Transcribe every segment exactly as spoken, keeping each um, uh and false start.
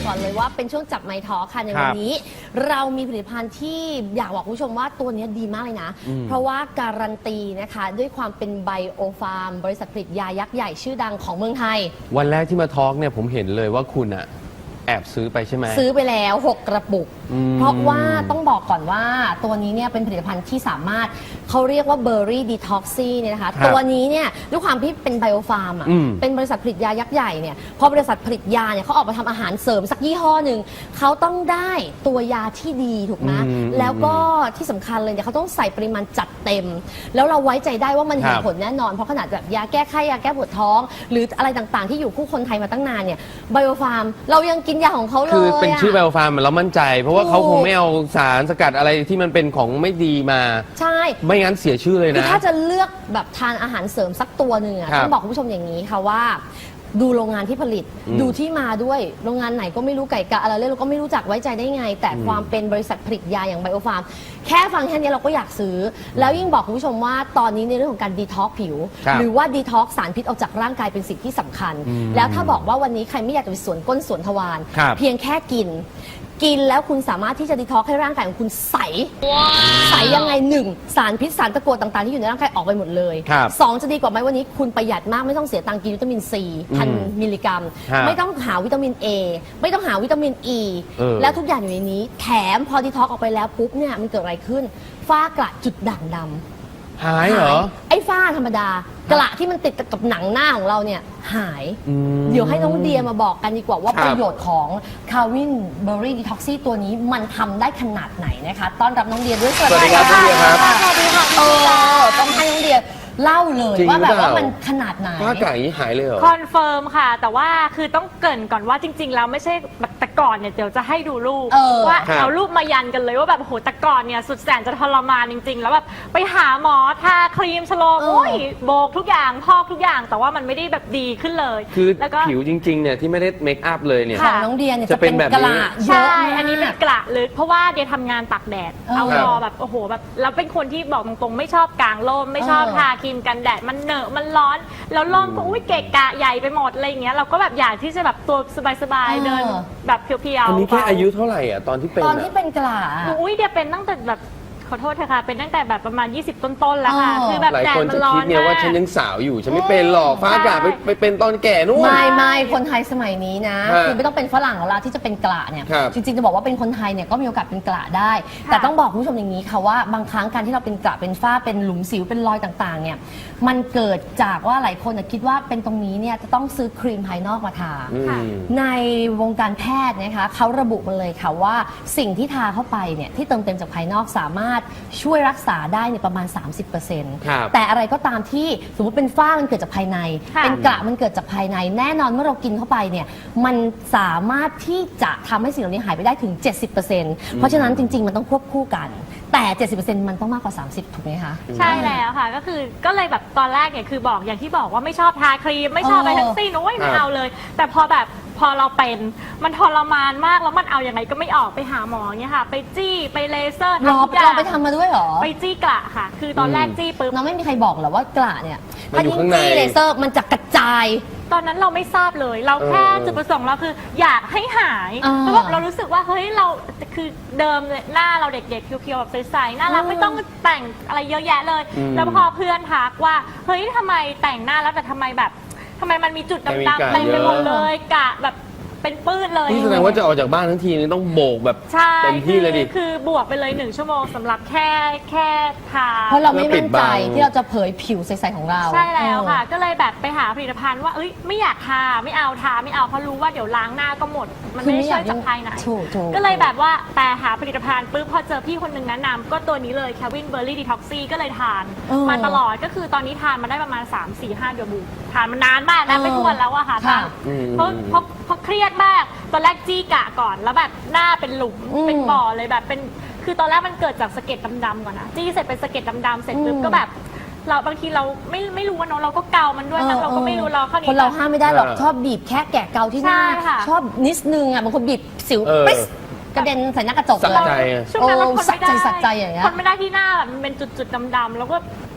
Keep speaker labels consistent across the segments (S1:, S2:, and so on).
S1: ก่อนเลยว่าเป็นช่วงจับไมค์ทอล์คค่ะในวันนี้เรามีผลิตภัณฑ์ที่อยากบอกคุณผู้ชมว่าตัวนี้ดีมากเลยนะเพราะว่าการันตีนะคะด้วยความเป็นไบโอฟาร์มบริษัทผลิตยายักษ์ใหญ่ชื่อดังของเมืองไทย
S2: วันแรกที่มาทอล์กเนี่ยผมเห็นเลยว่าคุณอะแอบซื้อไปใช่ไหม
S1: ซื้อไปแล้วหกกระปุกเพราะว่าต้องบอกก่อนว่าตัวนี้เนี่ยเป็นผลิตภัณฑ์ที่สามารถเขาเรียกว่าเบอร์รี่ดีท็อกซี่เนี่ยนะคะตัวนี้เนี่ยด้วยความที่เป็นไบโอฟาร์มอ่ะเป็นบริษัทผลิตยายักษ์ใหญ่เนี่ยพอบริษัทผลิตยาเนี่ยเขาออกมาทำอาหารเสริมสักยี่ห้อหนึ่งเขาต้องได้ตัวยาที่ดีถูกไหมแล้วก็ที่สำคัญเลยเนี่ยเขาต้องใส่ปริมาณจัดเต็มแล้วเราไว้ใจได้ว่ามันเห็นผลแน่นอนเพราะขนาดแบบยาแก้ไข้ยาแก้ปวดท้องหรืออะไรต่างๆที่อยู่คู่คนไทยมาตั้งนานเนี่ยไบโอฟาร์มเรายังกินยาของเขาเลย
S2: คือเป็นชื่อไบโอฟาร์มเรามั่นใจเพราะว่าเขาคงไม่เอาสารสกัดอะไรที่มันเป็นของไม่ดีมา
S1: ใช่
S2: ไม่งั้นเสียชื่อเลยนะ
S1: คือถ้าจะเลือกแบบทานอาหารเสริมสักตัวหนึ่งต้องบอกคุณผู้ชมอย่างนี้ค่ะว่าดูโรงงานที่ผลิตดูที่มาด้วยโรงงานไหนก็ไม่รู้ไก่กะอะไรเลยเราก็ไม่รู้จักไว้ใจได้ไงแต่ความเป็นบริษัทผลิตยาอย่างไบโอฟาร์มแค่ฟังแค่นี้เราก็อยากซื้อแล้วยิ่งบอกคุณผู้ชมว่าตอนนี้ในเรื่องของการดีท็อกผิวหรือว่าดีท็อกสารพิษออกจากร่างกายเป็นสิ่งที่สำคัญแล้วถ้าบอกว่าวันนี้ใครไม่อยากจะไปสวนก้นสวนทวารเพียงแค่กินกินแล้วคุณสามารถที่จะดีท็อกให้ร่างกายของคุณใสใสยังไงหนึ่งสารพิษสารตะกั่วต่างๆที่อยู่ในร่างกายออกไปหมดเลยสองจะดีกว่าไหมวันนี้คุณประหยัดมากไม่ต้องเสียตังค์กินวิตามินซีพันมิลลิกรัมไม่ต้องหาวิตามิน A ไม่ต้องหาวิตามิน E แล้วทุกอย่างอยู่ในนี้แถมพอดีท็อกออกไปแล้วปุ๊บเนี่ยมันเกิดอะไรขึ้นฝ้ากระจุดด่างดำ
S2: หายเหรอ
S1: ไอ้ฝ้าธรรมดากระที่มันติดกับหนังหน้าของเราเนี่ยหายเดี๋ยวให้น้องเดียมาบอกกันดีกว่าว่าประโยชน์ของคาวินเบอร์รี่ดีท็อกซี่ตัวนี้มันทำได้ขนาดไหนนะคะต้อนรับน้องเดียด้วย
S2: สวัสดีครับน้องเดียครับ
S1: สวัสดีค่ะเออต้องให้น้องเดียเล่าเลยว่าแบบว่ามันขนาดไหน
S2: ฝ้ากระนี้หายเลยเหรอ
S3: คอนเฟิร์มค่ะแต่ว่าคือต้องเกริ่นก่อนว่าจริงๆแล้วไม่ใช่แบบแต่ก่อนเนี่ยเดี๋ยวจะให้ดูรูปว่าเอารูปมายันกันเลยว่าแบบโหแต่ก่อนเนี่ยสุดแสนจะทรมานจริงๆแล้วแบบไปหาหมอทาครีมชโลมโอ้ยโบกทุกอย่างพอกทุกอย่างแต่ว่ามันไม่ได้แบบดีขึ้นเลย
S2: คือผิวจริงๆเนี่ยที่ไม่ได้เมคอัพเลยเนี่ย
S1: ของน้องเดียเนี่ยจะเป็นกระ
S3: ใช่อันนี้เป็นกระลึกเพราะว่าเดียทำงานตากแดดเอารอแบบโอ้โหแบบแล้วเป็นคนที่บอกตรงๆไม่ชอบกางร่มไม่ชอบทาครีมกันแดดมันเหนอะมันร้อนแล้วร่มก็อุ้ยเกะกะใหญ่ไปหมดอะไรอย่างเงี้ยเราก็แบบอยากที่จะแบบตัวสบายๆเดินแบบเพียวๆ
S2: อันนี้แค่อายุเท่าไหร่อ่ะตอนที่เป็น
S1: ตอนที่เป็นกระ
S3: อุ้ยเดี๋ยวเป็นตั้งแต่แบบขอโทษเถอะค่ะเป็นตั้งแต่แบบประมาณยี่สิบต้นๆแล้วค่ะคือแบบ
S2: แดดมันร้อนหลายคนจะคิดเนี่ยว่าฉันยังสาวอยู่ฉันไม่เป็นหรอกฟ้าอากาศไปไปเป็นตอนแก่นู่น
S1: ไม่ไม่คนไทยสมัยนี้นะคือไม่ต้องเป็นฝรั่งแล้วล่ะที่จะเป็นกระเนี่ยจริงๆจะบอกว่าเป็นคนไทยเนี่ยก็มีโอกาสเป็นกระได้แต่ต้องบอกคุณผู้ชมอย่างนี้ค่ะว่าบางครั้งการที่เราเป็นกระเป็นฝ้าเป็นหลุมสิวเป็นรอยต่างๆเนี่ยมันเกิดจากว่าหลายคนคิดว่าเป็นตรงนี้เนี่ยจะต้องซื้อครีมภายนอกมาทาในวงการแพทย์นะคะเขาระบุมาเลยค่ะว่าสิ่งที่ทาเข้าไปเนี่ยที่เติมเต็มจากภายนอกสามารถช่วยรักษาได้ในประมาณ สามสิบเปอร์เซ็นต์ แต่อะไรก็ตามที่สมมติเป็นฝ้ามันเกิดจากภายในเป็นกระมันเกิดจากภายในแน่นอนเมื่อเรากินเข้าไปเนี่ยมันสามารถที่จะทำให้สิ่งเหล่านี้หายไปได้ถึง เจ็ดสิบเปอร์เซ็นต์ เพราะฉะนั้นจริงๆมันต้องควบคู่กันแต่ เจ็ดสิบเปอร์เซ็นต์ มันต้องมากกว่า สามสิบ ถูกไหมคะ
S3: ใช่แล้วค่ะก็คือก็เลยแบบตอนแรกเนี่ยคือบอกอย่างที่บอกว่าไม่ชอบทาครีมไม่ชอบอะไรทั้งสิ้นโอ้ยไม่เอาเลยแต่พอแบบพอเราเป็นมันทรมานมากแล้วมันเอาอย่างไรก็ไม่ออกไปหาหมอเนี่ยค่ะไปจี้ไปเลเซอร์
S1: ทำทุกอย่างไปทำมาด้วยหรอ
S3: ไปจี้กระค่ะคือตอนแรกจี้ปุ๊บ
S1: น้องไม่มีใครบอกหรอว่ากระเนี่ยถ้ายิ่งจี้เลเซอร์มันจะกระจาย
S3: ตอนนั้นเราไม่ทราบเลยเราแค่จุดประสงค์เราคืออยากให้หายเพราะว่าเรารู้สึกว่าเฮ้ยเราคือเดิมหน้าเราเด็กๆเพียวๆแบบใสๆน่ารักไม่ต้องแต่งอะไรเยอะแยะเลยแล้วพอเพื่อนทักว่าเฮ้ยทำไมแต่งหน้าแล้วแต่ทำไมแบบทำไมมันมีจุดดำๆเต็มไปหมดเลยกะแบบเป็นปื้นเลย
S2: นี่แสดงว่าจะออกจากบ้านทั้งทีนี่ต้องโบกแบบเต็มที่เลยดิ
S3: คือบวกไปเลยหนึ่งชั่วโมงสำหรับแค่แค่ทา
S1: เพราะเราไม่มั่นใจที่เราจะเผยผิวใสๆของเรา
S3: ใช่แล้วค่ะก็เลยแบบไปหาผลิตภัณฑ์ว่าเอ้ยไม่อยากทาไม่เอาทาไม่เอาเพราะรู้ว่าเดี๋ยวล้างหน้าก็หมดมันไม่ช่วยจากภายในก็เลยแบบว่าแต่หาผลิตภัณฑ์ปุ๊บพอเจอพี่คนหนึ่งแนะนำก็ตัวนี้เลย Calvin Berry Detoxy ก็เลยทานมาตลอดก็คือตอนนี้ทานมาได้ประมาณ สาม สี่ ห้า เดือนบูทานมานานมากนะไม่ทวนแล้วอะค่ะเพราะเพราะเพราะเครียดมากตอนแรกจี้กะก่อนแล้วแบบหน้าเป็นหลุมเป็นบ่อเลยแบบเป็นคือตอนแรกมันเกิดจากสะเก็ดดำๆก่อนนะจี้เสร็จเป็นสะเก็ดดำๆเสร็จปุ๊บก็แบบเราบางทีเราไม่ไม่รู้ว่าเนาะเราก็เกามันด้วยนะเราก็ไม่รู้เราเข้านี้
S1: คนเราห้ามไม่ได้หรอกชอบบีบแค่แกะเกาที่หน้าชอบนิดนึงอ่ะบางคนบีบสิวปิ๊สกระเด็นใส่หน้ากระจกเลย
S3: ช่วงนั้นเราคนไม่ได้
S1: สักใจอย่างเงี้ย
S3: คนไม่ได้ที่หน้าแบบมันเป็นจุดๆดำๆแล้วก็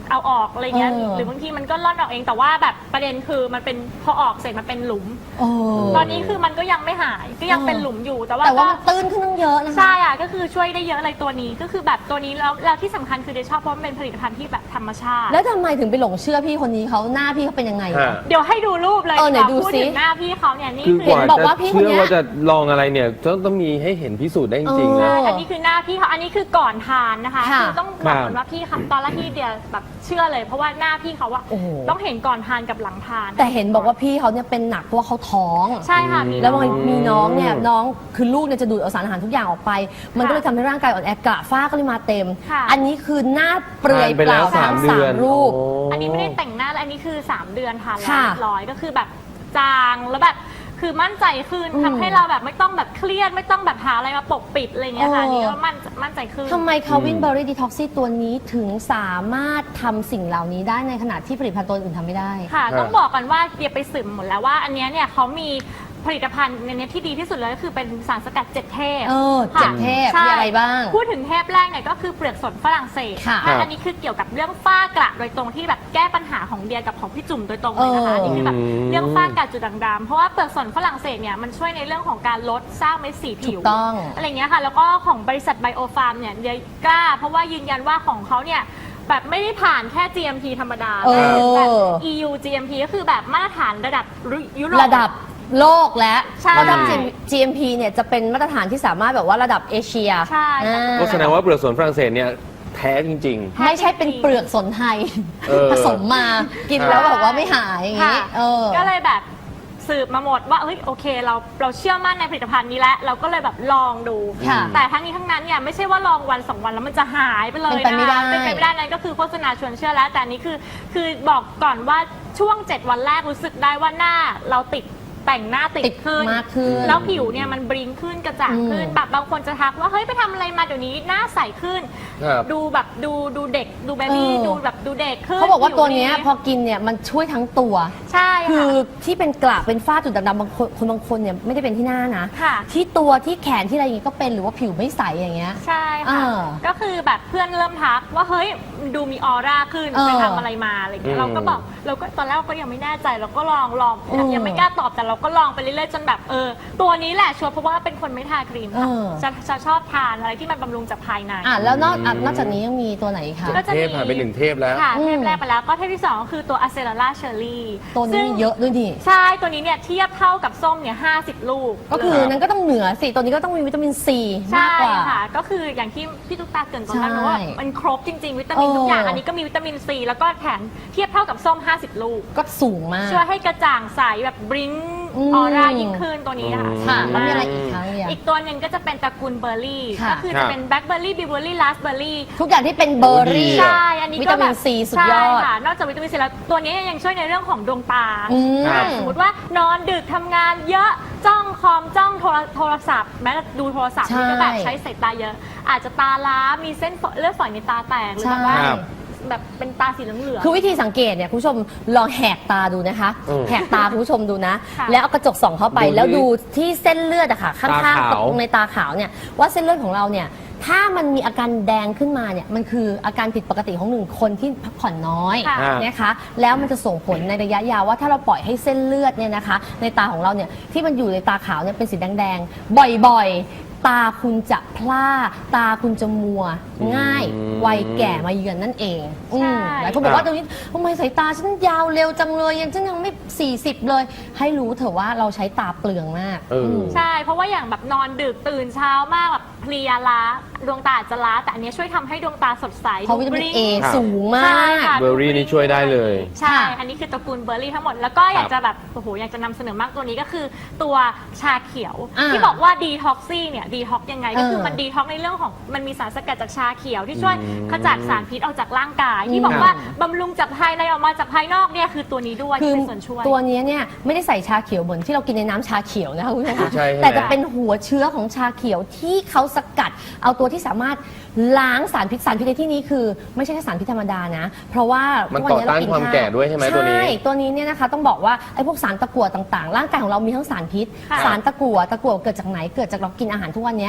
S3: เอาออกอะไรเงี้ย
S1: เออ
S3: หรือบางทีมันก็ร่อนออกเองแต่ว่าแบบประเด็นคือมันเป็นพอออกเสร็จมันเป็นหลุม
S1: โอ้
S3: ตอนนี้คือมันก็ยังไม่หายก็ยังเป็นหลุมอยู่แต่ว่า
S1: แต่ว่า
S3: ก็
S1: มันตื้นขึ้นตั้งเยอะนะคะ
S3: ใช่อ่ะก็คือช่วยได้เยอะเลยตัวนี้ก็คือแบบตัวนี้แล้วแล้วที่สำคัญคือเดชอบเพราะมันเป็นผลิตภัณฑ์ที่แบบธรรมชาติ
S1: แล้วทำไมถึงไปหลงเชื่อพี่คนนี้เขาหน้าพี่เขาเป็นยังไง
S2: ฮะ
S1: อะ
S3: เดี๋ยวให้ดูรูปเลย
S1: เออไหนดู
S3: พูด
S1: สิ
S3: ถึงหน้าพี่เขาเนี่ยนี่
S2: คือ
S3: คื
S2: กว่า
S1: บอกว่า
S2: จะ
S1: พี่คน
S2: เชื่อ
S1: เนี้ย
S2: ว่าจะลองอะไรเนี่ยต้องต้องมีให้เห็นพิสูจน์ได้จริงๆ
S1: เอ
S2: นะ
S1: อ
S3: อันนี้คือหน้าพี่เขาอันนี้คือก่อนทานนะคะ
S1: ค่ะ
S3: คือต้องบอกก่อนว่าพี่เขาตอนแรกที่เดียแบบเชื่อเลย เพราะว่าหน้าพี่เขาอะ
S1: โอ้โห
S3: ต้องเห็นก่อนทานกับหลังทาน
S1: แต่เห็นบอกว่าพี่เขาเนี่ยเป็นหนักเพราะว่าเขาท้อง
S3: ใช่ค่ะมี
S1: แล้วบางทีมีน้องเนี่ยน้องคือลูกเนี่ยจะดูดเอาสารอาหารทุกอย่างออกไป มันก็เลยทำให้ร่างกายอ่อนแอกระฝ้าก็เลยมาเต็ม
S3: ค่ะ
S1: อันนี้คือหน้าเปลือย
S2: ทานไป
S1: เป
S2: แล้
S1: ล่าว
S2: สาม
S1: ทั้ง
S2: เดือน
S1: รูป
S2: โ
S3: อันนี้ไม่ได้แต่งหน้าแล้วอันนี้คือสามเดือนทานแล้ว
S1: ค่ะ
S3: เรียบร้อยก็คือแบบจางแล้วแบบคือมั่นใจขึ้น
S1: อืม
S3: ทำให้เราแบบไม่ต้องแบบเครียดไม่ต้องแบบหาอะไรมาปกปิดอะไรเงี้ยค่ะ
S1: เอออั
S3: อันนี้ก็มั่นมั่นใจขึ้น
S1: ทำไมคาวินเบอร์รี่ดีท็อกซี่ตัวนี้ถึงสามารถทำสิ่งเหล่านี้ได้ในขณะที่ผลิตภัณฑ์ตัวอื่นทำไม่ได้
S3: ค่ะ
S2: ครับ
S3: ต้องบอกกันว่าเดียไปสืบหมดแล้วว่า อันเนี้ยเนี่ยเขามีผลิตภัณฑ์ในเนี้ยที่ดีที่สุดเลยก็คือเป็นสารสกัดเจ็ดเทพ
S1: เออ
S3: ค่ะ
S1: เจ็ดเทพ
S3: ใช่
S1: มีอะไรบ้าง
S3: พูดถึงเทพแรกเนี่ยก็คือเปลือกสนฝรั่งเศส
S1: ค่ะ
S3: อ่อันนี้คือเกี่ยวกับเรื่องฝ้ากระโดยตรงที่แบบแก้ปัญหาของเดียกับของพี่จุ๋มโดยตรงเลยนะคะ
S1: เออ
S3: อันนี่คือแบบ
S2: อืม
S3: เรื่องฝ้ากระจุดด่างดำเพราะว่าเปลือกสนฝรั่งเศสเนี่ยมันช่วยในเรื่องของการลดสร้างเม็ดสี
S1: ถู
S3: ผิว
S1: กต้อง
S3: อะไรเงี้ยค่ะแล้วก็ของบริษัทไบโอฟาร์มเนี่ยเดียกล้า เพราะว่ายืนยันว่าของเขาเนี่ยแบบไม่ได้ผ่านแค่ จี เอ็ม พี ธรรมดา
S1: เออ
S3: แบบ อี ยู จี เอ็ม พี ก็คือแบบมาตรฐานระดับยุโรป
S1: ระดับโลกและ
S3: ใช่
S1: ระดับ จี เอ็ม พี เนี่ยจะเป็นมาตรฐานที่สามารถแบบว่าระดับเอเชีย
S3: ใช่
S1: อ่า
S2: ก็แสดงว่าเปลือกสนฝรั่งเศสเนี่ยแท้จริง
S1: ไม่ใช่เป็นเปลือกสนไทย
S2: เออ
S1: ผสมมากินแล้วแบบว่าไม่หายอย่าง
S3: ค่ะ
S1: นี้เออ
S3: ก็เลยแบบสืบมาหมดว่าเฮ้ยโอเคเราเราเชื่อมั่นในผลิตภัณฑ์นี้แล้วเราก็เลยแบบลองดู
S1: ค่ะ
S3: แต่ทั้งนี้ทั้งนั้นเนี่ยไม่ใช่ว่าลองวันสองวันแล้วมันจะหายไปเลย
S1: เป็นไปไม่ได้
S3: นะคะเป็นไปไม่ได้นั่นก็คือโฆษณาชวนเชื่อแล้ว แต่อันนี้คือคือบอกก่อนว่าช่วงเจ็ดวันแรกรู้สึกได้ว่าหน้าเราติดแต่งหน้าติด
S1: ติด
S3: ขึ้น
S1: มากขึ้น
S3: แล้วผิวเนี่ยมันบริงขึ้นกระจ่างขึ้น
S1: อืม
S3: แบบบางคนจะทักว่าเฮ้ยไปทำอะไรมาเดี๋ยวนี้หน้าใสขึ้น
S2: ครับ
S3: ดูแบบดูดูเด็กดูเบบี้
S1: เออ
S3: ดูแบบดูเด็กขึ้น
S1: เขาบอกว่าตัวเนี้ย
S3: ผิดี
S1: พอกินเนี่ยมันช่วยทั้งตัว
S3: ใช่
S1: คื
S3: ค่ะ
S1: อที่เป็นกระเป็นฝ้าจุดดำๆบางคนคนบางคนเนี่ยไม่ได้เป็นที่หน้านะ
S3: ค่ะ
S1: ที่ตัวที่แขนที่อะไรอย่างงี้ก็เป็นหรือว่าผิวไม่ใสอย่างเงี้ย
S3: ใช่ค่ะ
S1: อ่า
S3: ก็คือแบบเพื่อนเริ่มทักว่าเฮ้ยดูมีออร่าขึ้น
S1: เออ
S3: ไปทำอะไรมาอะไรเงี้
S2: อื
S3: ย
S2: ม
S3: เราก็บอกเราก็ตอนแรกเราก็ยังไม่แน่ใจเราก็ลองลอง
S1: อืม
S3: ยังไม่กล้าตอบแต่เราก็ลองไปเรื่อยๆจนแบบเออตัวนี้แหละชัวร์เพราะว่าเป็นคนไม่ทาครีมค่ะ
S1: เออ
S3: จะจะชอบทานอะไรที่มันบำรุงจากภายใน
S1: อ่ะแล้วนอกอ่ะนอกจากนี้ยังมีตัวไหนอีกคะ
S3: ก็จะ
S2: เท
S3: มี
S2: พผ่านไปหนึ่งเทพแล้ว
S3: ค่ะ
S1: อืม
S3: เทปแรกไปแล้วก็เทปที่สองก็คือตัวอะเซลล่าเชอร์รี่
S1: ตัวนี้มีเยอะด้วยดิ
S3: ใช่ตัวนี้เนี่ยเทียบเท่ากับส้มเนี่ยห้าสิบลูก
S1: ก็คือนั้นก็ต้องเหนือสิตัวนี้ก็ต้องมีวิตามินซีมาก
S3: ใช่
S1: กว่า
S3: ค่ะ ก็คืออย่างที่พี่ตุ๊กตาเกรินตอนแรก
S1: ใช่
S3: นะว่ามันครบจริง ๆ วิตามิน
S1: เออ
S3: ทุกอย่าง อันนี้ก็มีวิตามินซีแล้วก็แถมเทียบเท่ากับส้ม ห้าสิบ ลูก
S1: ก็สูงมาก
S3: ช่วยให้กระจ่างใสแบบบริ้ง
S1: อืม
S3: ออร่ายิ่งขึ้นตัวนี้นะคะ
S1: ค่ะ
S3: สา
S1: แล้ว
S3: มารถ
S1: มีอะไรอีกครั้งเนี่ย
S3: อีกตัวหนึ่งก็จะเป็นตระกูลเบอร์รี่
S1: ค่ะ
S3: ก็คือจะเป็นแบล็คเบอร์รี่บิวเบอร์รี่ลาสเบอร์รี่
S1: ทุกอย่างที่เป็นเบอร์รี่
S3: ใช่ อันนี้
S1: วิ
S3: ก็
S1: ตา
S3: แบ
S1: มิน
S3: บ
S1: ซีสุดยอด
S3: ใช่ค่ะ นอกจากวิตามินซีแล้วตัวนี้ยังช่วยในเรื่องของดวงตา
S1: อืม
S3: อ่าสมมติว่านอนดึกทำงานเยอะจ้องคอมจ้องโทรโทรศัพท์ แม้แต่ดูโทรศัพท์
S1: ใช่
S3: นี่ก็แบบใช้สายตาเยอะ อาจจะตาล้ามีเส้นฝเลือดฝอยในตาแตกหรือแบบว่า
S2: ครับ
S3: แบบเป็นตาสีเหลืองๆ
S1: คือวิธีสังเกตเนี่ยคุณผู้ชมลองแหกตาดูนะคะ
S2: อืม
S1: แหกตาคุณผู้ชมดูนะ
S3: ค่ะ
S1: แล้วเอากระจกส่องเข้าไป
S2: ดูดิ
S1: แล้วดูที่เส้นเลือดอะค่ะข้าง
S2: ตา
S1: ๆ
S2: ขาว
S1: ตรงในตาขาวเนี่ยว่าเส้นเลือดของเราเนี่ยถ้ามันมีอาการแดงขึ้นมาเนี่ยมันคืออาการผิดปกติของหนึ่งคนที่พักผ่อนน้อย
S3: ค่ะ
S1: นะคะแล้วมันจะส่งผลในระยะยาวว่าถ้าเราปล่อยให้เส้นเลือดเนี่ยนะคะในตาของเราเนี่ยที่มันอยู่ในตาขาวเนี่ยเป็นสีแดงๆบ่อยๆ ตาคุณจะพร่าตาคุณจะมัวง่าย
S2: อืม
S1: วัยแก่มาเยือนนั่นเอง
S3: ใช่
S1: อืมหลายคนบอกว่าตรงนี้ทำไมสายตาฉันยาวเร็วจังเลยยังฉันยังไม่สี่สิบเลย ให้รู้เถอะว่าเราใช้ตาเปลืองมาก
S2: เอออื
S1: ม
S3: ใช่ เพราะว่าอย่างแบบนอนดึกตื่นเช้ามากแบบเพลียล้าดวงตาอาจจะล้าแต่อันเนี้ยช่วยทำให้ดวงตาสดใส
S1: เพราะวิตามิน
S3: ดูบ
S1: เอ
S3: ลิ้ง
S2: ครับ
S1: สูงมา
S3: ใช่
S1: ก
S3: ค่ะ
S2: เบอร์รี่นี่ช่วยได้เลย
S3: ใช่
S1: ค่ะ
S3: อันนี้คือตระกูลเบอร์รี่ทั้งหมด แล้วก็อยากจะแบบโอ้โหอยากจะนำเสนอมากตัวนี้ก็คือตัวชาเขียว
S1: อ่า
S3: ที่บอกว่าดีท็อกซี่เนี่ยดีท็อกยังไงก็คือ
S1: เออ
S3: มันดีท็อกในเรื่องของมันมีสารสกัดจากชาเขียวที่ช่วย
S2: อืม
S3: ขจัดสารพิษออกจากร่างกาย ที่
S1: อืม
S3: บอกว่าบำรุงจากภายในออกมาจากภายนอกเนี่ยคือตัวนี้ด้วย
S1: คือ
S3: ที่เป็นส่วนช่วย
S1: ตัวนี้เนี่ยไม่ได้ใส่ชาเขียวเหมือนที่เรากินในน้ำชาเขียวนะคะคุณผู้ชมค่ะ
S2: ใช่ใช่ไหม
S1: แต่จะเป็นหัวเชื้อของชาเขียวที่เขาสกัด เอาตัวที่สามารถล้างสารพิษสารพิษในที่นี้คือ ไม่ใช่แค่สารพิษธรรมดานะ เพราะว่า
S2: มัน
S1: ทุกวั
S2: ต่อต้าน
S1: เร
S2: ความแก่ด้วยใช่ไหมตัวนี้
S1: ใช่ตัวนี้เนี่ยนะคะต้องบอกว่าไอ้พวกสารตะกั่วต่างๆ ร่างกายของเรามีทั้งสารพิษ
S3: ค่ะ
S1: สารตะกั่วตะกั่วเกิดจากไหนเกิดจากเรากินอาหารทุกวันเนี้ย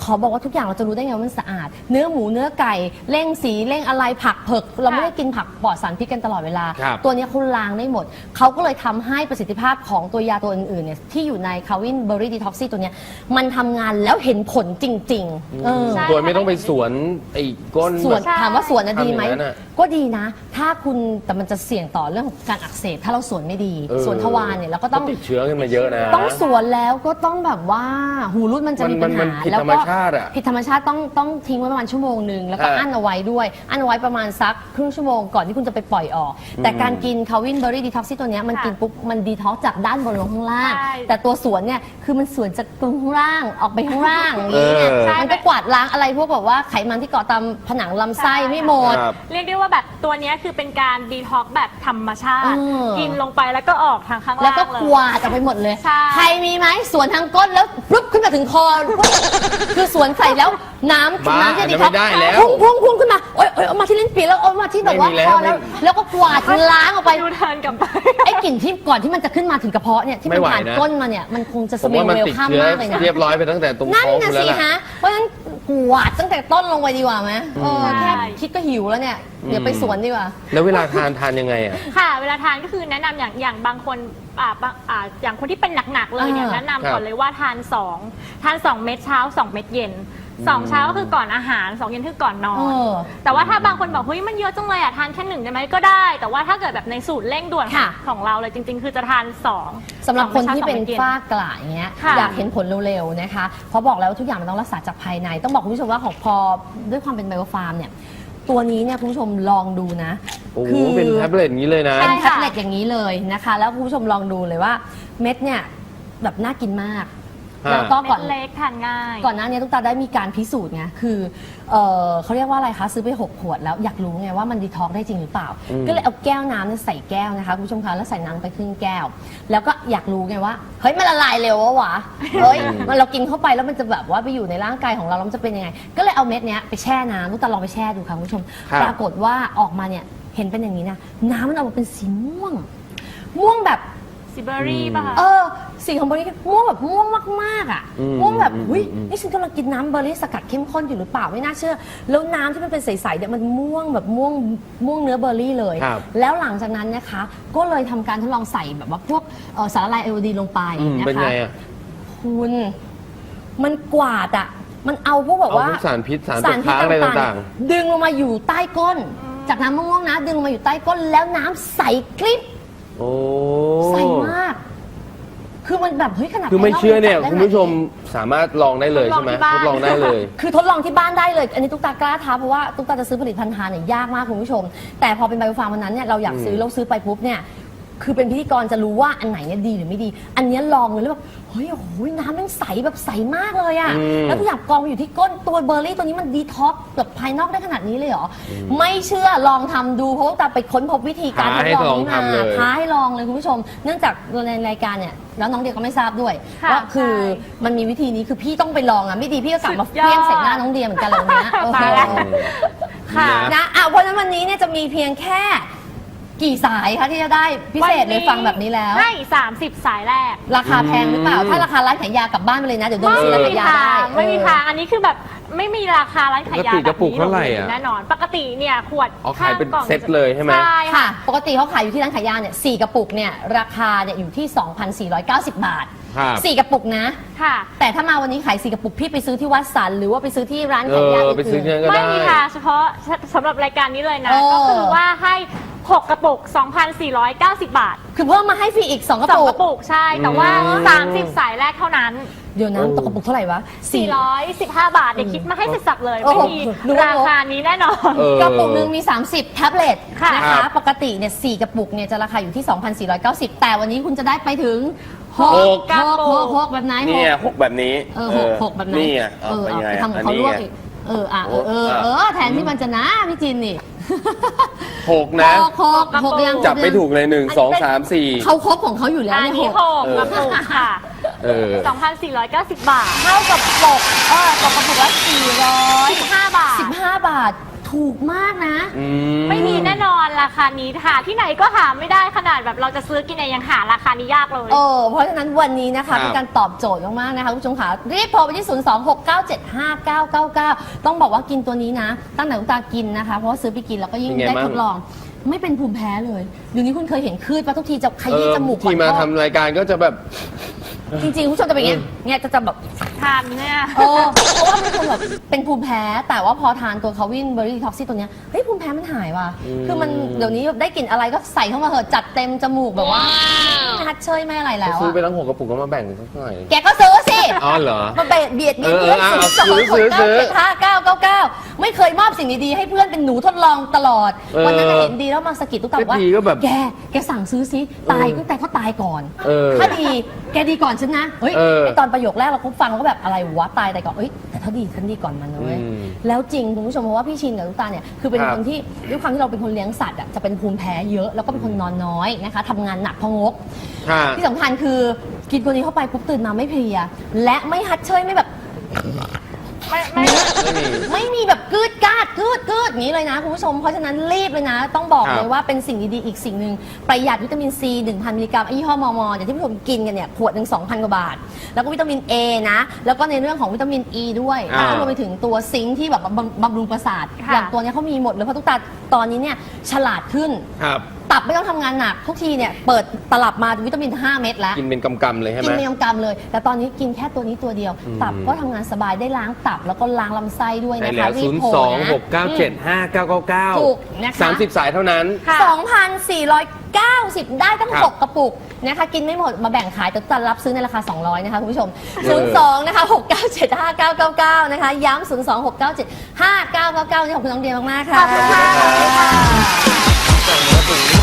S1: ขอบอกว่าทุกอย่างเราจะรู้ได้ไงว่ามันสะอาด เนื้อหมูเนื้อไก่เร่งสีเร่งอะไรผักเผือกเราไม่ได้กินผักปลอดสารพิษกันตลอดเวลา
S2: ครับ
S1: ตัวเนี้ยเขาล้างได้หมดเขาก็เลยทำให้ประสิทธิภาพของตัวยาตัวอื่นๆเนี่ยที่อยู่ในคาวินเบอร์รี่ดีท็อกซี่ตัวเนี้ยมันทำงานแล้วเห็นผลจริงๆเออ
S3: ใช่
S2: โดยไม่ต้องไปสวนไอ้ก้น
S1: สวน
S2: แบบ
S1: ถามว่าสวนนะดีไหม
S2: ทำอย่างนั้นอะ
S1: ก็ดีนะ ถ้าคุณแต่มันจะเสี่ยงต่อเรื่องของการอักเสบถ้าเราสวนไม่ดี
S2: เออ
S1: สวนทวารเนี่ยเราก็ต้อง
S2: ติดเชื้อขึ้นมาเยอะนะ
S1: ต้องสวนแล้วก็ต้องแบบว่าหูรุดมันจะมี
S2: มั
S1: ปั
S2: น
S1: ญ
S2: มัน
S1: หา
S2: ผิด
S1: แล้ว
S2: ธรรม
S1: ก็
S2: ชาติอะ
S1: ผิดธรรมชาติต้องต้องทิ้งไว้ประมาณชั่วโมงหนึ่งแล้วก็
S2: อ่า
S1: อั้นเอาไว้ด้วยอั้นเอาไว้ประมาณสักครึ่งชั่วโมงก่อนที่คุณจะไปปล่อยออก แต่การกินคาวินเบอร์รี่ดีท็อกซี่ตัวเนี้ยมัน
S3: ค่ะ
S1: กินปุ๊บมันดีท็อกจากด้านบนลงข้างล่าง
S3: ใช่
S1: แต่ตัวสวนเนี่ยคือมันสวนจากตรงข้างล่างออกไปข้างล่างอย่างนี้เนี่ย
S2: เออ
S1: มันก็กวาดล้างอะไรพวกแบบว่าไขมันที่เกาะตามผนังลำไส้ไม่หมด
S2: ครับ
S3: เรียกได้ว่าแบบตัวเนี้ยคือเป็นการดีท็อกซ์แบบธรรมชาติ
S1: เออ
S3: กินลงไปแล้วก็ออกทางข้างล่าง
S1: แล้วก็
S3: เลย
S1: กวาดออกไปหมดเลย
S3: ใช่
S1: ใครมีไหมสวนทางก้นแล้วปุ๊บขึ้นมาถึงคอ คือสวนใส่แล้วน้ำ
S2: บ้า
S1: น้ำจะดี
S2: อันนั้นไม่ได้แล้ว
S1: พุ่งพุ่งพุ่งขึ้นมาโอ๊ยโอ๊ยเอามาที่ลิ้นปี่แล้วเอามาที่แบบว่า
S2: ไม่มีแล้ว
S1: คอแล้ว
S2: ไม่
S1: แล้วก็กวาดล้างออกไป
S3: ดูเทิร์นกลับไป
S1: ไอ้กลิ่นที่ก่อนที่มันจะขึ้นมาถึงกระเพาะเนี่ยที่มัน
S2: ไม่ไหว
S1: ผ่าน
S2: นะ
S1: ก้นมาเนี่ยมันคงจะส
S2: ผม
S1: เมล
S2: ว่ามัน
S1: เวล
S2: ติด
S1: ข้าม
S2: เชื้อ
S1: มากเลยนะ
S2: เรียบร้อยไปตั้งแต่ตรง
S1: นั่น
S2: ท้อง
S1: น่ะ
S2: คุณแล้ว
S1: สิ
S2: ล่ะ
S1: ฮะเพราะฉะนั้นกวาดตั้งแต่ต้นลงไปดีกว่าไหมเออ
S3: ใช่
S1: แค่คิดก็หิวแล้วเนี่ยเดี๋ยวไปสวนดีกว่า
S2: แล้วเวลาทานทานยังไงอ่ะ
S3: ค่ะ เวลาทานก็คือแนะนำอย่างอย่างบางคนอ่าบางอ่าอย่างคนที่เป็นหนักๆเลยเนี่ย
S1: อ่า
S3: แนะนำ
S2: ครั
S3: ก่อบ นเลยว่าทานสองทานสองเม็ดเช้าสองเม็ดเย็นสองเช้าก็คือก่อนอาหารสองเย็นคือก่อนนอ
S1: เอน อ
S3: แต่ว่าถ้าบางคนบอกเฮ้ยมันเยอะจังเลยอ่ะทานแค่หนึ่งได้ไหมก็ได้ แต่ว่าถ้าเกิดแบบในสูตรเร่งด่วน
S1: ค่ะ
S3: ของเราเลยจริง ๆ คือจะทานสอง
S1: สำหรับคนที่เป็น
S3: สองม็ดช้าสองม็ดย็
S1: ฝ้ากระอย่างเงี้ย
S3: ค่ะ
S1: อยากเห็นผลเร็วๆนะคะเพราะบอกแล้วว่าทุกอย่างมันต้องรักษาจากภายใน ต้องบอกคุณผู้ชมว่าของพอด้วยความเป็นไบโอฟาร์มเนี่ยตัวนี้เนี่ยคุณผู้ชมลองดูนะ
S2: โอ้โหเป็นแท็บเล็ตอย่างนี้เลยนะ
S3: ใช่
S1: เป็นแท็บเล็ตอย่างนี้เลยนะคะ แล้วคุณผู้ชมลองดูเลยว่าเม็ดเนี่ยแบบน่ากินมาก
S2: ฮะ
S1: แล้วก็ก่อน
S3: เม็ดเล็กทานง่าย
S1: ก่อนหน้านี้ตุ๊กตาได้มีการพิสูจน์ไงคือเออเขาเรียกว่าอะไรคะซื้อไปหกขวดแล้วอยากรู้ไงว่ามันดีท็อกซ์ได้จริงหรือเปล่า
S2: อืม
S1: ก็เลยเอาแก้วน้ำเนี่ยใส่แก้วนะคะคุณผู้ชมคะแล้วใส่น้ำไปครึ่งแก้ว แล้วก็อยากรู้ไงว่าเฮ้ยมันละลายเร็ววะวะเฮ้ยมันเรากินเข้าไปแล้วมันจะแบบว่าไปอยู่ในร่างกายของเราแล้วมันจะเป็นยังไง ก็เลยเอาเม็ดเนี้ยไปแช่น้ำตุ๊กตาลองไปแช่ดูค่ะคุณผู้ชม
S2: ครับ
S1: ปรากฏว่าออกมาเนี่ยเห็นเป็นอย่างนี้นะน้ำมันออกมาเป็นสีม่วง ม่วงแบบ
S3: ซิเบอรี่ป่ะคะ
S1: เออสีของเบอร์รี่ม่วงแบบม่วงมากๆอ่ะ
S2: อืม
S1: ม่วงแบบ
S2: อืม
S1: อุ้ย
S2: อืม
S1: นี่ฉันกำลังกินน้ำเบอร์รี่สกัดเข้มข้นอยู่หรือเปล่าไม่น่าเชื่อ แล้วน้ำที่มันเป็นใสๆเนี่ยมันม่วงแบบม่วงม่วงเนื้อเบอร์รี่เลย
S2: ครับ
S1: แล้วหลังจากนั้นนะคะ ก็เลยทำการทดลองใส่แบบว่าพวกเอ่อสารละลายไอโอดีนลงไป
S2: อืม
S1: นะ
S2: เป็น
S1: คะ
S2: ไงอ่ะ
S1: คุณมันกวาดอ่ะมันเอาพวกแบบ
S2: เอา
S1: ว่า
S2: พวกสารพิษสารตกค้างอะไรต่าง
S1: ๆดึงลงมาอยู่ใต้ก้น จากน้ำม่วงๆนะ ดึงลงมาอยู่ใต้ก้นแล้วน้ำใสกริบ
S2: ๆ โอ้
S1: ใสมาก คือมันแบบเฮ้ยขนาด
S2: คือไม่
S1: ภา
S2: เชื่อเนี่ย
S1: จับได้
S2: คุณผู้ชมสามารถลองได้เลยใช่ไหม
S3: ท
S2: ท
S3: ด
S2: ด
S3: ล
S2: ล
S3: อ
S2: อง ง
S3: ที่
S2: ได้
S3: บ้าน
S2: เลย
S1: คือทดลองที่บ้านได้เลย อันนี้ตุ๊กตากล้าท้าเพราะว่าตุ๊กตาจะซื้อผลิตภัณฑ์ทานเนี่ยยากมากคุณผู้ชม แต่พอเป็นไบโอฟาร์มวันนั้นเนี่ยเราอยากซื้อ
S2: อืม
S1: เราซื้อไปปุ๊บเนี่ย คือเป็นพิธีกรจะรู้ว่าอันไหนเนี่ยดีหรือไม่ดี อันเนี้ยลองเลยแล้วแบบเฮ้ยโอ้โหน้ำมันใสแบบใสมากเลยอะ
S2: อืม
S1: แล้วทุกอย่างกองไปอยู่ที่ก้นตัวเบอร์รี่ตัวนี้มันดีท็อกซ์แบบภายนอกได้ขนาดนี้เลยเหรออไม่เชื่อลองทำดูเพราะว่าตาไปค้นพบวิธีการทดลองนี้
S2: ท้าให้ลองทำเลย
S1: มาท้าให้ลองเลยคุณผู้ชม เนื่องจากในรายการเนี่ยแล้วน้องเดียก็ไม่ทราบด้วย
S3: ค่ะ
S1: ว่าคือ
S3: ใช่
S1: มันมีวิธีนี้คือพี่ต้องไปลองอ่ะไม่ดีพี่ก็กลับมา
S3: สุดยอด
S1: เพี้ยงใส่หน้าน้องเดียเหมือนกันเลยนะโอ้โห
S3: ตายแล้ว ค่ะ
S2: นะ
S1: นะอ่ะเพราะฉะนั้นวันนี้เนี่ยจะมีเพียงแค่กี่สายคะที่จะได้พิเศษเลยฟังแบบนี้แล้ว
S3: ให้สามสิบสายแรก
S1: ราคาแพงหรือเปล่า ถ้าราคาร้านขายยากลับบ้านไปเลยนะ เดี๋ยวเดิน
S3: ไม่
S1: ซื้อร้าน
S3: มี
S1: ขายยา
S3: ทา
S1: ได้
S3: งไม่มีทางอันนี้คือแบบไม่มีราคาร้านขายยา
S2: ปกติกระปุกเท่าไหร่อะ
S3: แน่นอน ปกติเนี่ยขวด
S2: อ๋อขายเป็น
S3: ข้งกล่อง
S2: เซ็ตเลยใช่ไหม
S3: ใช่
S1: ค่ะ
S3: ค่ะ
S1: ปกติเขาขายอยู่ที่ร้านขายยาเนี่ยสี่กระปุกเนี่ยราคาเนี่ยอยู่ที่ สองพันสี่ร้อยเก้าสิบ บาท
S2: ครับ
S1: สี่กระปุกนะ
S3: ค่ะ
S1: แต่ถ้ามาวันนี้ขายสี่กระปุกพี่ไปซื้อที่วัดสันหรือว่าไปซื้อที่ร้าน
S2: เอ
S1: ขายยา
S2: อ
S1: อื่น
S2: ไปซื้อที่นั่นก็
S3: ไม่
S2: ได้
S3: มีทางเฉพาะสำหรับรายการนี้เลยนะ
S1: เออ
S3: ก็คือว่าให้หกกระปุก สองพันสี่ร้อยเก้าสิบ บาท
S1: คือเพิ่มมาให้ฟรีอีกสองกระ
S3: สอง
S1: ปุ
S3: ก
S1: ก
S3: ระปุกใช่ แต่ว่า
S2: อืม
S3: สามสิบสายแรกเท่านั้น
S1: เดี๋ยวนะ
S2: โอ้
S1: ตกกระปุกเท่าไหร่วะ
S3: สี่ร้อยสิบห้า บาทเดี๋ยวคิดมาให้เสร็จสับเลย
S1: โอ้
S3: ไม่
S1: โห
S3: มี
S1: รู้ว่า
S3: ราคานี้แน่นอน
S2: เออ
S1: กระปุกหนึงมี สามสิบ แท็บเล็ต
S3: ค่ะ
S1: นะ
S2: ครั
S1: คะ
S2: บ
S1: ปกติเนี่ยสี่กระปุกเนี่ยจะราคาอยู่ที่ สองพันสี่ร้อยเก้าสิบ แต่วันนี้คุณจะได้ไปถึงหก
S2: หก
S1: หกหกหกแบบไหนห
S2: นี่
S1: ก
S2: ไงหกแบบนี้
S1: เออหกหกแบบไหน
S2: นี่ไง
S1: เออ
S2: เป็น
S1: เอา
S2: ไง
S1: ไปทำของ
S2: อัน
S1: เขา
S2: นี้
S1: ลวก
S2: ไง
S1: อีกเอออ่ะเออเออ
S2: โอ้
S1: เออแทนที่มันจะนะพี่จินนี่
S2: หกนะ
S1: หกหกหกยัง
S2: จับไม่ถูกเลยหนึ่งสองสามสี่
S1: เขาครบของเขาอยู่แล้ว
S3: อัน
S1: เนี่ย
S3: นี้
S1: หก
S3: หกกระปุกค่ะ
S2: เออ
S3: สองพันสี่ร้อยเก้าสิบ บาท
S1: เท่ากับปกเออตกกระปุกละสี่ร้อย
S3: สิบห้า บาท
S1: สิบห้าบาทถูกมากนะ
S2: อื
S3: ไม่มีแน่นอนราคานี้หาที่ไหนก็หาไม่ได้ขนาดแบบเราจะซื้อกินเองยังหาราคานี้ยากเลย
S1: เออเพราะฉะนั้นวันนี้นะคะเป็นการตอบโจทย์มากๆนะคะคุณผู้ชมค่ะรีบโทรไปที่ ศูนย์ สอง หก เก้า เจ็ด ห้า เก้า เก้า เก้า ต้องบอกว่ากินตัวนี้นะ ตั้งแต่คุณตากินนะคะเพราะว่าซื้อไปกินแล้วก็ยิ่งได้ทดลอง ไม่เป็นภูมิแพ้เลยเดี๋ยวนี้คุณเคยเห็นคลืดปะทุกทีจะขยี้จมูก
S2: ที่มาทำรายการก็จะแบบ
S1: จริงๆคุณผู้ชมจะเป็นอย่างเงี้ยเนี่ยจะจะแบบ
S3: ทานเนี่ย
S1: เออเพราะว่าเป็นคนแบบเป็นภูมิแพ้ แต่ว่าพอทานตัวคาวินเบอร์รี่ท็อกซี่ตัวเนี้ยเฮ้ยภูมิแพ้มันหายว่ะ
S2: อืม
S1: คือมันเดี๋ยวนี้ได้กลิ่นอะไรก็ใส่เข้ามาเหอะจัดเต็มจมูกแบบว่าไม่ฮัดเชยไม่อะไรแล้ว
S2: ซื้อไป
S1: อะ
S2: ทั้งหกกระปุกก็มาแบ่งสักหน่อย
S1: แกก็ซื้อสิ
S2: อ๋อเหรอ
S1: มาเบียดเบียดมี
S2: เออ
S1: เพื่อน
S2: เออ
S1: ศูนย์สอง
S2: ซื้
S1: ห
S2: อก ซื้อ
S1: เก้าเจ็ดห้าเก้าเก้าเก้าไม่เคยมอบสิ่งดีๆให้เพื่อนเป็นหนูทดลองตลอด
S2: เออ
S1: วันนั้นน่ะเห็นดีแล้วมาสะกิดตุ๊กตาว่า
S2: ทีก็แบบ
S1: แกแกสั่งซื้อซิตายก็แต่ก็ตายก่อน
S2: เออ
S1: ถ้าดีแกดีก่อนฉันนะเฮ้ย
S2: เออ
S1: ไอตอนประโยคแรกเราก็ฟังเราก็แบบอะไรวะตายแต่ก่อนเอ้ยแต่ถ้าดีฉันดีก่อนมันนะเว้ย
S2: อืม
S1: แล้วจริงคุณผู้ชมเพราะว่าพี่ชินกับตุ๊กตาเนี่ยคือเป็น
S2: ครับ
S1: คนที่ด้วยความที่เราเป็นคนเลี้ยงสัตว์อ่ะจะเป็นภูมิแพ้เยอะแล้วก็เป็นคนนอนน้อยนะคะทำงานหนักเพองก
S2: ค่ะ
S1: ที่สำคัญคือกินตัวนี้เข้าไปปุ๊บตื่นมาไม่เพลีย และไม่ฮัดเชยไม่แบบ
S3: ไม่ไม่
S2: ไม่มี
S1: ไม่มีแบบกืดกาดกืดกืดอย่างนี้เลยนะคุณผู้ชมเพราะฉะนั้นรีบเลยนะ ต้องบอก
S2: ครับ
S1: เลยว่าเป็นสิ่งดีๆอีกสิ่งหนึ่งประหยัดวิตามินซีหนึ่งพันมิลลิกรัมยี่ห้อมอมออย่างที่ผู้ชมกินกันเนี่ยขวดหนึ่งสองพันกว่าบาท แล้วก็วิตามิน A นะ แล้วก็ในเรื่องของวิตามิน E ด้วย
S2: อ่า
S1: แล้วก็รวมไปถึงตัวซิงค์ที่แบบบำบำรุงประสาท
S3: ค่ะ
S1: อย่างตัวเนี้ยเขามีหมดเลยเพราะทุกตาตอนนี้เนี่ยฉลาดขึ้น
S2: ครับ
S1: ตับไม่ต้องทำงานหนักทุกทีเนี่ยเปิดตลับมาวิตามินห้าเม็ดแล้ว
S2: กินเป็นกำๆเลยใช่ไห
S1: กิ
S2: ม
S1: นเมียมกรรมเลย แต่ตอนนี้กินแค่ตัวนี้ตัวเดียว
S2: อืม
S1: ตับก็ทำงานสบายได้ล้างตับแล้วก็ล้างลำไส้ด้วย
S2: ใช่
S1: นะ
S2: แล้
S1: คะ
S2: ว
S1: รี
S2: ศู
S1: บ
S2: นย์
S1: โทร
S2: สอง
S1: นะ
S2: หกเก้าเจ็ดห้าเก้าเก้าเก้า
S1: ถูกนะคะ
S2: สามสิบสายเท่านั้น
S3: ค่ะ
S1: สองพันสี่ร้อยเก้าสิบได้ตั้ง
S2: ครับ
S1: หกกระปุกนะคะ กินไม่หมดมาแบ่งขายแต่จะรับซื้อในราคา สองร้อยนะคะคุณผู้ชม
S2: เออ
S1: ศูนย์ สอง นะคะ หก เก้า เจ็ด ห้า เก้า เก้า เก้า นะคะ ย้ำ ศูนย์ สอง หก เก้า เจ็ด ห้า เก้า เก้า เก้า นี่ขอบคุณน้องเดียมาก ๆ ค่ะ
S3: ขอบคุณค่ะ
S2: ส่งมาถึง